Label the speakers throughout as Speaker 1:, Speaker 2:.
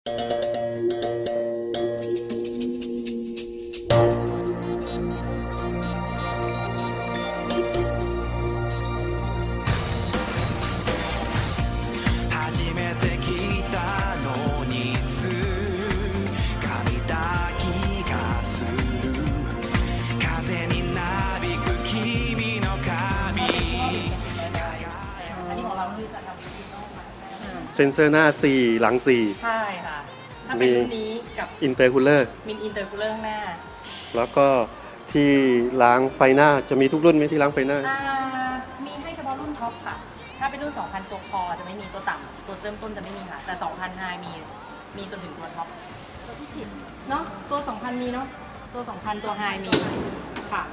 Speaker 1: เซ็นเซอร์หน้า 4 หลัง
Speaker 2: ใช่ค่ะถ้าเป็นรุ่นนี้กับ
Speaker 1: 4 อินเตอร์คูลเลอร์
Speaker 2: มินอินเตอร์คูลเลอร์ข้างหน้า
Speaker 1: แล้วก็ที่ล้างไฟหน้าจะมีทุกรุ่นไหมที่ล้างไฟหน้า
Speaker 2: มีให้เฉพาะรุ่นท็อปค่ะถ้าเป็นรุ่น 2,000 ตัวคอจะไม่มีตัวต่ำตัวเริ่มต้นจะไม่มีค่ะแต่ 2,000 ไฮมีจนถึงตัวท็อปตัวที่10เนาะตัว 2,000 มีเนาะตัว 2,000 ตัวไฮมีค่ะ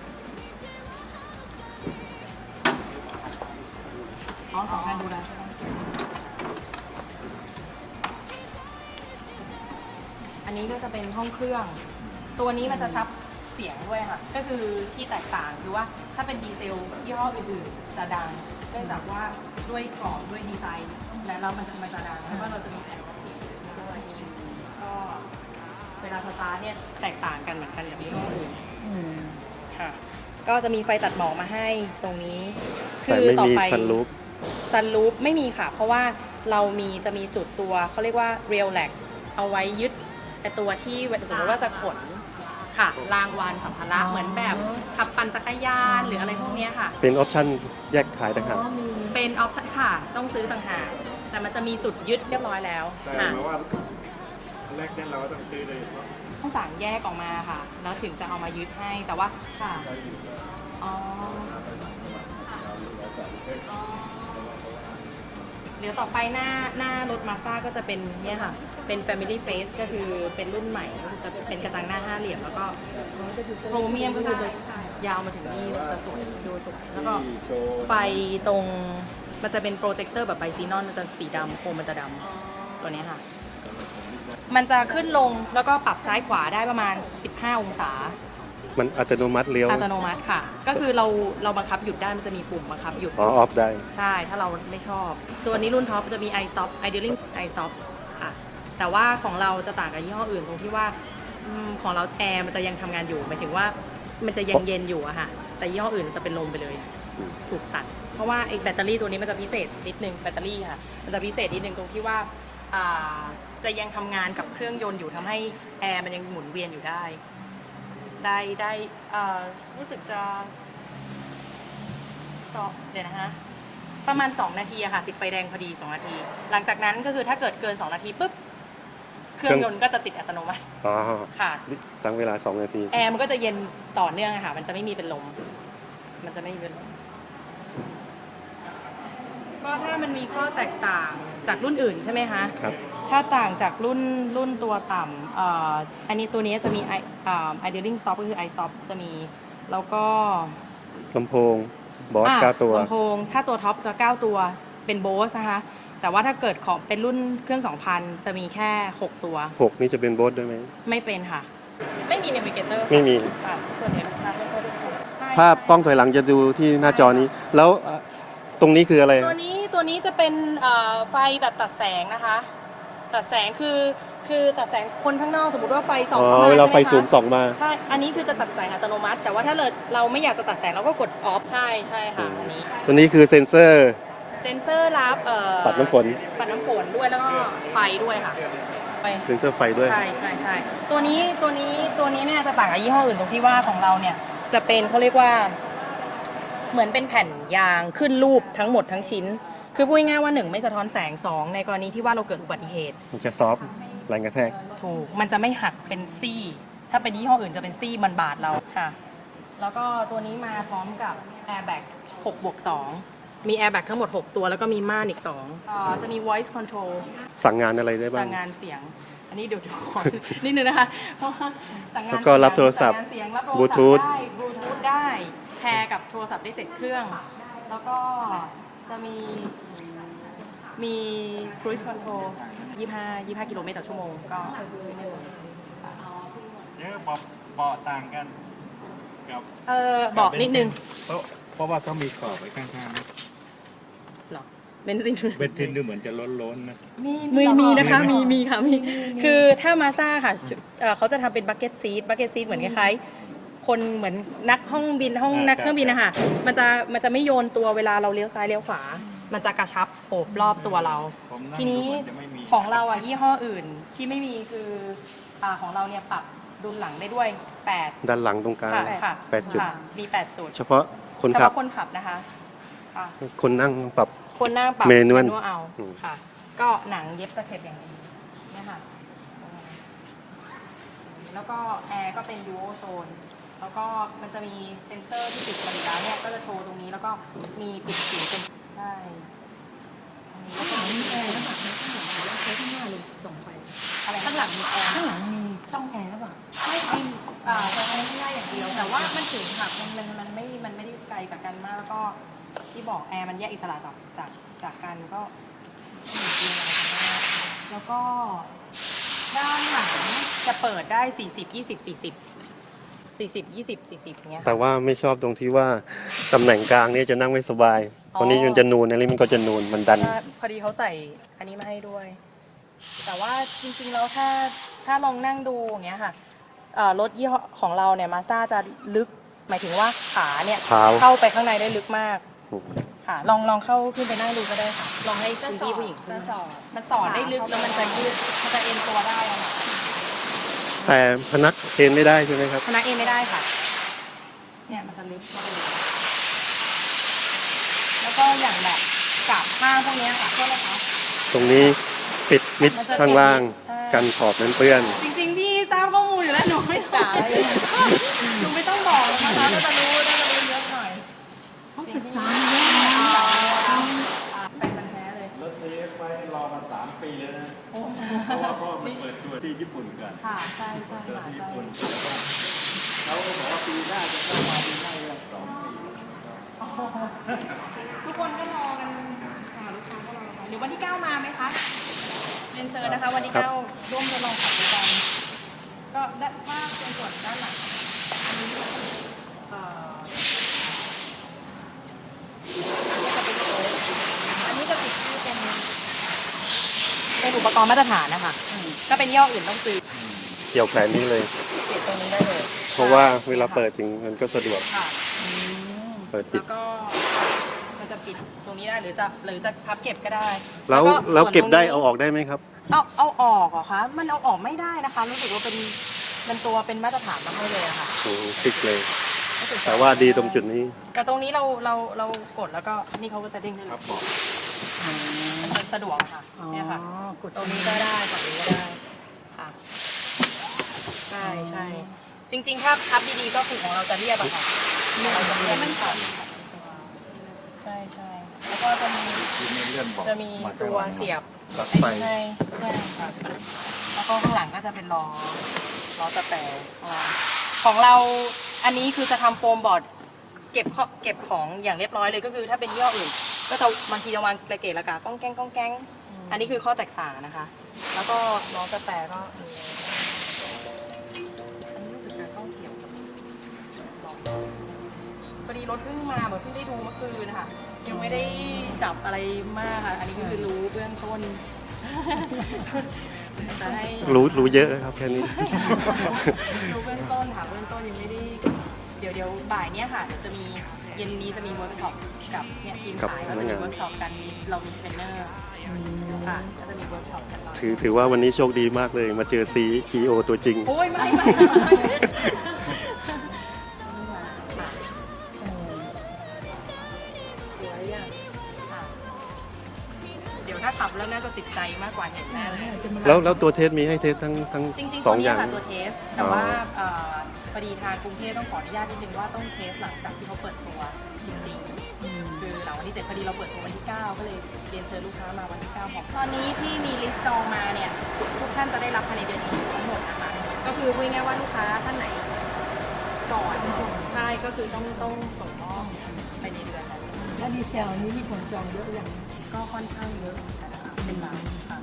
Speaker 2: อ๋อ 2,000 ดูแล้วใช่ไหมอันนี้ก็จะเป็นห้องเครื่องตัวนี้มันจะซับเสียงด้วยค่ะก็คือที่แตกต่างคือว่าถ้าเป็นดีเซลยี่ห้ออื่นๆจะดังเนื่องจากว่าด้วยกรอบด้วยดีไซน์แล้วมันจะดังแล้วก็เราจะมีแผ่นด้วยก็เวลาสตาร์ทเนี่ยแตกต่างกันเหมือนกันกับยี่ห้ออื่นค่ะก็จะมีไฟตัดหมอกมาให้ตรงนี้
Speaker 1: แต่ไม่มีซันรูฟ
Speaker 2: ไม่มีค่ะเพราะว่าเราจะมีจุดตัวเขาเรียกว่าเรียลแลกเอาไว้ยึดแต่ตัวที่สมมติว่าจะขนค่ะรางวานสัมภาระเหมือนแบบขับปั่นจักรยานหรืออะไรพวกนี้ค่ะ
Speaker 1: เป็นออปชั่นแยกขายต่างหาก
Speaker 2: เป็นออปชั่นค่ะต้องซื้อต่างหากแต่มันจะมีจุดยึดเรียบร้อยแล้ว
Speaker 3: แต่ว่าแรกเนี่ยเราก็ต้องซื้อเลย
Speaker 2: ต้องสั่งแยกออกมาค่ะแล้วถึงจะเอามายึดให้แต่ว่าค่ะอ๋อเดี๋ยวต่อไปหน้ารถมาสด้าก็จะเป็นเนี่ยค่ะเป็น Family Face ก็คือเป็นรุ่นใหม่จะเป็นกระจังหน้า5เหลี่ยมแล้วก็โครเมียมก็จะยาวมาถึงนี่จะสวยดูสวยแล้วก็ไฟตรงมันจะเป็นโปรเจคเตอร์แบบไบซีนอนมันจะสีดำโคมมันจะดำตัวนี้ค่ะมันจะขึ้นลงแล้วก็ปรับซ้ายขวาได้ประมาณ15องศา
Speaker 1: มันอัตโนมัติเลี้ยว
Speaker 2: อัตโนมัติค่ะก็คือเราบังคับหยุดได้มันจะมีปุ่มบังคับหยุด
Speaker 1: ออฟได้
Speaker 2: ใช่ถ้าเราไม่ชอบตัวนี้รุ่นท็อปจะมี i stop idling i stop ค่ะแต่ว่าของเราจะต่างกับยี่ห้ออื่นตรงที่ว่าของเราแอร์มันจะยังทำงานอยู่หมายถึงว่ามันจะยังเย็นอยู่อะค่ะแต่ยี่ห้ออื่นจะเป็นลมไปเลยถูกตัดเพราะว่าไอ้แบตเตอรี่ตัวนี้มันจะพิเศษนิดนึงแบตเตอรี่ค่ะมันจะพิเศษนิดนึงตรงที่ว่าจะยังทำงานกับเครื่องยนต์อยู่ทำให้แอร์มันยังหมุนเวียนอยู่ได้รู้สึกจะเดี๋ยวนะคะประมาณ2นาทีอะค่ะติดไฟแดงพอดี2นาทีหลังจากนั้นก็คือถ้าเกิดเกิน2นาทีปุ๊บเครื่องยนต์ก็จะติดอัตโนมัติค่ะ
Speaker 1: ตั้งเวลา2นาที
Speaker 2: แอร์มันก็จะเย็นต่อเนื่องค่ะมันจะไม่มีเป็นลมมันจะไม่มีเป็นลมก็ถ้ามันมีข้อแตกต่างจากรุ่นอื่นใช่ไหมคะ
Speaker 1: ครับ
Speaker 2: ถ้าต่างจากรุ่นตัวต่ำอันนี้ตัวนี้จะมีidling stop ก็คือ i stop จะมีแล้วก็
Speaker 1: ลำโพงบอส9ตัว
Speaker 2: ลำโพงถ้าตัวท็อปจะ9ตัวเป็นโบสนะคะแต่ว่าถ้าเกิดของเป็นรุ่นเครื่อง 2,000 จะมีแค่6ตัว
Speaker 1: 6นี่จะเป็นโบสด้วยไหม
Speaker 2: ไม่เป็นค่ะไม่มี navigator
Speaker 1: ไม่มี
Speaker 2: ส่วนใหญ่ลูกค้าไม่ค่อยได้
Speaker 1: ภาพกล้องถอยหลังจะดูที่หน้าจอนี้แล้วตรงนี้คืออะไร
Speaker 2: ตัวนี้จะเป็นไฟแบบตัดแสงนะคะตัดแสงคือตัดแสงคนข้างนอกสมมติว่าไฟส่องเข้ามา
Speaker 1: เวลาไฟสูงส่องมา
Speaker 2: ใช่อันนี้คือจะตัดแสงอัตโนมัติแต่ว่าถ้าเราไม่อยากจะตัดแสงเราก็กดออฟใช่ค่ะอันนี้
Speaker 1: ตัวนี้คือเซ็นเซอร์
Speaker 2: รับ
Speaker 1: ปัดน้ำฝน
Speaker 2: ด้วยแล้วก็ไฟด้วยค่ะ
Speaker 1: เซ็นเซอร์ไฟด้วย
Speaker 2: ใช่ตัวนี้เนี่ยจะต่างกับยี่ห้ออื่นตรงที่ว่าของเราเนี่ยจะเป็นเขาเรียกว่าเหมือนเป็นแผ่นยางขึ้นรูปทั้งหมดทั้งชิ้นคือพูดง่ายๆว่า1ไม่สะท้อนแสง2ในกรณีที่ว่าเราเกิดอุบัติเหตุ
Speaker 1: มันจะซอฟต์แรงกระแทก
Speaker 2: ถูกมันจะไม่หักเป็นซี่ถ้าเป็นยี่ห้ออื่นจะเป็นซี่มันบาดเราค่ะแล้วก็ตัวนี้มาพร้อมกับ airbag 6+2 มี airbag ทั้งหมด6ตัวแล้วก็มีม่านอีก2จะมี voice control
Speaker 1: สั่งงานอะไรได้บ้าง
Speaker 2: สั่งงานเสียงอันนี้เดี๋ยวขอนิดนึงนะคะเพราะว่าสั่งงาน
Speaker 1: ก็รับโทรศัพท์บลูทูธ
Speaker 2: ได้แพร์กับโทรศัพท์ได้7เครื่องแล้วก็จะมี cruise control 25 กิโลเมตรต่อชั่วโมงก็
Speaker 3: เยอะเบาะต่างกันกับ
Speaker 2: บอกนิดนึง
Speaker 3: เพราะว่าเขามีขอบไว้ข้างๆ
Speaker 2: หรอเบนซิน
Speaker 3: เบนซินดูเหมือนจะล้นๆนะ
Speaker 2: มีนะคะมีค่ะมีคือถ้ามาซ่าค่ะเขาจะทำเป็นบักเก็ตซีทเหมือนคล้ายๆคนเหมือนนักห้องบินห้องนักเครื่องบินนะคะมันจะไม่โยนตัวเวลาเราเลี้ยวซ้ายเลี้ยวขวา มันจะกระชับโอบรอบตัวเรา
Speaker 3: ผมนั่ง
Speaker 2: ทีนี้
Speaker 3: ดูเหมือนจะไม่มี
Speaker 2: ของเราอ่ะยี่ห้ออื่นที่ไม่มีคือของเราเนี่ยปรับดุลหลังได้ด้วย8
Speaker 1: ด้านหลังตรงกลาง
Speaker 2: ค่ะ
Speaker 1: 8 จุด
Speaker 2: ค่ะมี8จุด
Speaker 1: เฉพาะคน
Speaker 2: เฉ
Speaker 1: ขับ
Speaker 2: พาะคนขับนะคะค่ะ
Speaker 1: คนนั่งต้องปรับ
Speaker 2: คนนั่งปรับ
Speaker 1: เมนูอัล
Speaker 2: เอา
Speaker 1: อืม
Speaker 2: ค่ะ ก็หนังเย็บตะเข็บอย่างดีเนี่ยค่ะแล้วก็แอร์ก็เป็นยูโอโซนแล้วก็มันจะมีเซ็นเซอร์ที่ติดมาอยู่แล้วเนี่ยก็จะโชว์ตรงนี้แล้วก็มีปิดสีเป็นใช่
Speaker 4: ข้างหลังมีแอร์แล้วแบบข้างหลังแล้วใช้ข้างหน้าเลยส่งไป
Speaker 2: อะไรข้างหลังมีแอร์
Speaker 4: ข้างหลังมีช่องแอร์หรือเปล่า
Speaker 2: ไม่จริงใช้ไม่ได้อย่างเดียวแต่ว่ามันถึงค่ะมันไม่ได้ไกลจากกันมากแล้วก็ที่บอกแอร์มันแยกอิสระจากกันก็มีอะไรกันบ้างแล้วก็ด้านหลังจะเปิดได้40 อย่างเงี้ย
Speaker 1: แต่ว่าไม่ชอบตรงที่ว่าตำแหน่งกลางเนี่ยจะนั่งไม่สบายตอนนี้มันจะนูนอันนี้มันก็จะนูนมันดัน
Speaker 2: พอดีเขาใส่อันนี้มาให้ด้วย แต่ว่าจริงๆแล้วถ้าลองนั่งดูอย่างเงี้ยค่ะรถยี่ห้อของเราเนี่ยมาสด้าจะลึกหมายถึงว่าขาเนี่ย
Speaker 1: เท้า
Speaker 2: เข้าไปข้างในได้ลึกมากค่ะลองเข้าขึ้นไปนั่งดูก็ได้ค่ะลองให้คุณพี่ผู้หญิงขึ้นมันสอนได้ลึกแล้วมันจะยืดมันจะเอ็นตัวได้อะค่ะ
Speaker 1: แต่พนักเอนไม่ได้ใช่ไหมครับ
Speaker 2: พนักเอ็นไม่ได้ค่ะเนี่ยมันจะลึกเข้าไปเลยแล้วก็อย่างแบบกาบข้างพวกเนี้ยค่ะโทษนะคะ
Speaker 1: ตรงนี้ปิดมิดข้างล่าง
Speaker 2: ใช่
Speaker 1: กันขอบนั้นเปื้อน
Speaker 2: จริงๆพี่ทราบข้อมูลอยู่แล้วหนูไม่ต้องหนูไม่ต้องบอกแล้วนะคะน่าจะรู้เยอะหน่อย
Speaker 4: เขาศึกษาเยอะนะ
Speaker 2: เป็นมันแท้เลย
Speaker 3: รถ CX ไฟรอมา3 ปีแล้วนะเพราะว่ามันเปิดตัวที่ญี่ปุ่นกัน
Speaker 2: ค่ะใช่ค่ะ
Speaker 3: เจอที่
Speaker 2: ใช่
Speaker 3: ญี่ปุ่นเขาบอกว่าปีหน้าจะเข้ามาปีหน้าเรื่อง2 ปี
Speaker 2: ทุกคนก็รอกันค่ะลูกค้าก็รอกันเดี๋ยววันที่ 9 มาไหมคะเรียนเชิญนะคะวันที่
Speaker 1: ครับ
Speaker 2: 9 ร่วมทดลองขับดูกันก็ด้านถ้าเป็นส่วนด้านหลังอันนี้อันนี้จะติดที่เป็นอุปกรณ์มาตรฐานนะคะก็เป็นย่ห้ออื่นต้องซื้อ
Speaker 1: เกี่ยวแขนนี้เลย
Speaker 2: ติดตรงนี้ได้เลย
Speaker 1: เพราะว่าเวลาเปิดถึงมันก็สะดวก
Speaker 2: ค่ะ
Speaker 1: เปิดปิด
Speaker 2: แล้วก็มันจะปิดตรงนี้ได้หรือจะพับเก็บก็ได้
Speaker 1: แล้ว
Speaker 2: ก็
Speaker 1: แล้ว
Speaker 2: ส่วน
Speaker 1: เก็บได้
Speaker 2: ตรงนี้
Speaker 1: เอาออกได้ไหมครับ
Speaker 2: เอาออกเหรอคะมันเอาออกไม่ได้นะคะรู้สึกว่าเป็นตัวเป็นมาตรฐานมาให้เลยอะค่ะ
Speaker 1: ฟิกเลย
Speaker 2: รู้สึก
Speaker 1: แต่ว่าดีตรงจุดนี้
Speaker 2: แต่ตรงนี้เรากดแล้วก็นี่เขาก็จะเด้งขึ้นเลยมันสะดวกอะค่ะเนี่ยค่ะ
Speaker 4: กด
Speaker 2: ตรงนี้ก็ได้กดตรงนี้ก็ได้ค่ะใช่จริงๆถ้าพับดีๆก็คือของเราจะเรียบอะค่ะเราจะเรียบมันก่อนใช่แล้วก็จะมี
Speaker 3: ที่ไม่เลื่อนบอก
Speaker 2: จะมีตัวเสียบ
Speaker 1: ปลั๊กไฟ
Speaker 2: ใช่ค่ะแล้วก็ข้างหลังก็จะเป็นล้อตะแปรของเราอันนี้คือจะทำโฟมบอร์ดเก็บของอย่างเรียบร้อยเลยก็คือถ้าเป็นยี่ห้ออื่น ก็จะบางทีจะวางกระเกะระกะก้องแก๊งอันนี้คือข้อแตกต่างนะคะ แล้วก็ล้อตะแปรก็มีอันนี้รู้สึกจะต้องเกี่ยวกับพอดีรถเพิ่งมาแบบเพิ่งได้ดูเมื่อคืนนะคะยังไม่ได้จับอะไรมากค่ะ อันนี้ก็คือรู้เบื้องต้นจะให้
Speaker 1: รู้เยอะครับแค่นี้
Speaker 2: รู้เบื้องต้นค่ะเบื้องต้นยังไม่ได้เดี๋ยวบ่ายเนี้ยค่ะเดี๋ยวจะมีเย็นนี้จะมีเวิร์กช็อปกับเนี่ยทีม
Speaker 1: กับ
Speaker 2: ขาย
Speaker 1: พ
Speaker 2: ก็
Speaker 1: นั
Speaker 2: จะ
Speaker 1: ก
Speaker 2: มี
Speaker 1: งาน
Speaker 2: เวิร์กช็อปกันเรามีเทรนเนอร์ค่ะก็จะมีเวิร์กช็อปกันเรา
Speaker 1: ถือว่าวันนี้โชคดีมากเลย มาเจอ CEO ตัวจริง
Speaker 2: โอ้ยไม่สวยอ่ะค่ะเดี๋ยวถ้าขับแล้วน่าจะติดใจมากกว่าเห็นแน่เลย
Speaker 1: แล้วตัวเทสมีให้เทสทั้ง
Speaker 2: จริงๆ
Speaker 1: ส
Speaker 2: ตั
Speaker 1: อ
Speaker 2: ว
Speaker 1: งอ
Speaker 2: นี้
Speaker 1: ย่าง
Speaker 2: ค่ะตัวเทส แต่ว่าพอดีทางกรุงเทพต้องขออนุญาตนิดนึงว่าต้องเทสหลังจากที่เขาเปิดตัวจริงๆคือหลังวันที่7พอดีเราเปิดตัววันที่ 9 ก็เลยเรียนเชิญลูกค้ามาวันที่ 9 ของตอนนี้ที่มีลิสต์จองมาเนี่ยทุกท่านจะได้รับภายในเดือนนี้ทั้งหมดนะคะก็คือพูดง่ายๆว่าลูกค้าท่านไหนก่อนใช่ก็คือต้องส่งมอบไปในเดือนนั้น
Speaker 4: แล้วดีเซลนี้มีคนจองเยอะอย่าง
Speaker 2: ก็ค่อนข้างเยอะเหมือนกันนะคะเป็นบางค่ะ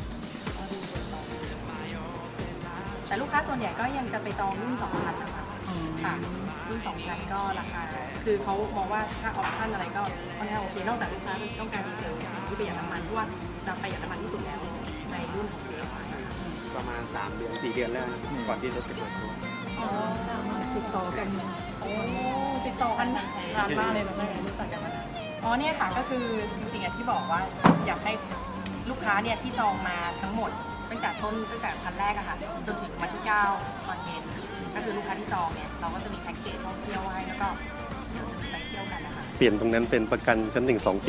Speaker 2: ก็ดูเยอะต่อแต่ลูกค้าส่วนใหญ่ก็ยังจะไปจองรุ่น2,000นะคะค่ะรุ่น2,000ก็ราคา คือเขามองว่าถ้าออปชั่นอะไรก็ค่อนข้างโอเค นอกจากลูกค้าต้องการดีเซลจริงๆที่ประหยัดน้ำมันเพราะว่าจะประหยัดน้ำมันที่สุดแล้วในรุ่นของ CX-5
Speaker 5: ประมาณ3 เดือน 4 เดือนแล้วนะก่อนที่รถจะเปิดตัว
Speaker 2: อ๋อ
Speaker 4: ติดต่อกัน
Speaker 2: โอ้ติดต่อกันนานมากเลยแบบไม่รู้จักกันมานานอ๋อเนี่ยค่ะก็คือจริงๆที่บอกว่าอยากให้ลูกค้าเนี่ยที่จองมาทั้งหมดตั้งแต่คันแรกอะค่ะจนถึงวันที่9ตอนเย็นก็คือลูกค้าที่จองเนี่ยเราก็จะมีแพ็กเกจท่องเที่ยวให้แล้วก็เดี๋ยวจะมีไปเที่ยวกันนะคะ
Speaker 1: เปลี่ยนตรงนั้นเป็นประกันชั้น1-2 ปี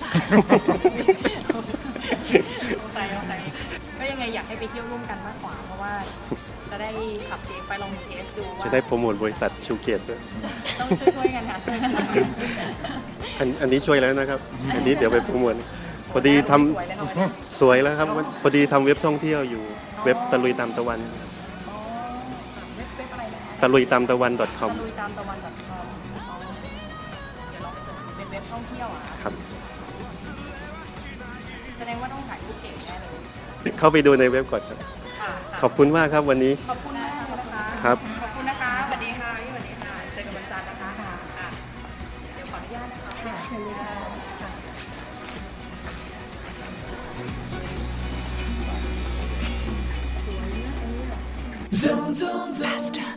Speaker 2: โอเคก็ยังไงอยากให้ไปเที่ยวร่วมกันมากกว่าเพราะว่าจะได้ขับเซฟไปลองเทสดูว่า
Speaker 1: จะได้โปรโมทบริษัทชูเกียรติด้วย
Speaker 2: ต้องช่วยกันค่ะช่วยกัน
Speaker 1: อันนี้ช่วยแล้วนะครับ อันนี้เดี๋ยวไปโปรโมทพอดีทำ
Speaker 2: สวยเลยค่ะวันนี้
Speaker 1: สวยแล้วครับพอดีทำเว็บท่องเที่ยวอยู่เว็บตะลุยตามตะวัน
Speaker 2: อ๋อเว็บอะไรนะคะ
Speaker 1: ตะลุยตามตะวัน .com
Speaker 2: ตะลุยตามตะวัน .com อ๋อเดี๋ยวลองไปเสิร์ชเป็นเว็บท่องเที่ยวอ่ะ
Speaker 1: ครับ
Speaker 2: แสดงว่าต้องถ่ายรูปเก่งแน่เลย
Speaker 1: เข้าไปดูในเว็บก่อนครับ
Speaker 2: ค่ะ
Speaker 1: ขอบคุณมากครับวันนี้
Speaker 2: ขอบคุณมากเลยนะคะ
Speaker 1: ครับ
Speaker 2: ขอบคุณนะคะสวัสดีค่ะพี่สวัสดีค่ะเจอกันวันจันทร์นะคะค่ะเดี๋ยวขออนุญาตนะคะ
Speaker 4: เชิญเลยค่ะ
Speaker 6: Zone, zone, zone. Master.